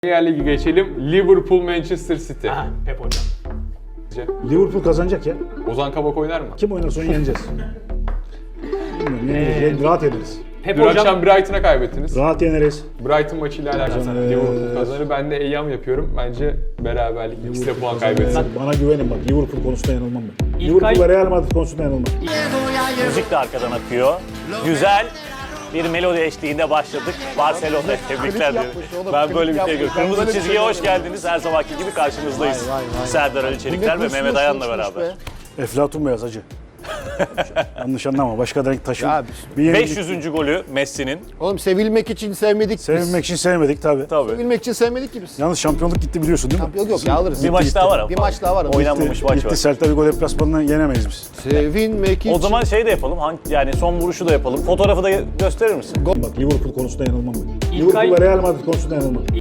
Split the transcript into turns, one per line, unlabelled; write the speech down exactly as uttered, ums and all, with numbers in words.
Premier Ligi geçelim. Liverpool Manchester City.
Aha, Pep hocam.
Liverpool kazanacak ya.
Ozan Kabak oynar mı?
Kim oynarsa onu yeneceğiz. Bilmiyorum, yeneriz.
Ee,
Rahat yeneriz.
Pep
Dün
hocam.
akşam Brighton'a kaybettiniz.
Rahat yeneriz.
Brighton maçıyla alakalı
Kazanır.
Liverpool kazanır. Ben de eyyam yapıyorum. Bence beraberlik. İkisi de puan kaybetsin.
Bana güvenin bak, Liverpool konusunda yanılmam ben.
İlkay-
Liverpool'la Real Madrid konusunda yanılmam.
Müzik de arkadan akıyor. Güzel bir melodi eşliğinde başladık. Barcelona tebrikler diyorum. Ben böyle bir şey görüyorum. Kırmızı çizgiye hoş geldiniz. Her zamanki gibi karşınızdayız. Serdar Ali Çelikler ve Mehmet Ayan'la beraber.
Eflatun beyaz hacı. Yanlış anlama, başka renk taşın.
Ya,
Bir yenilik-
beş yüzüncü golü Messi'nin.
Oğlum sevilmek için sevmedik biz.
Sevilmek için sevmedik tabii.
Tabii.
Sevilmek için sevmedik ki biz.
Yalnız şampiyonluk gitti biliyorsun değil mi?
Yok yok ya alırız.
Bir maç daha var ama.
Bir maç daha var ama.
Oynanmamış maç
Gitti,
var.
Celta Vigo deplasmanını yenemeyiz biz.
Sevinmek için.
O zaman şey de yapalım. hangi- Yani son vuruşu da yapalım. Fotoğrafı da gösterir misin?
Bak, Liverpool konusunda yanılmam ben.
İlkay-
Liverpool'la Real Madrid konusunda yanılmam.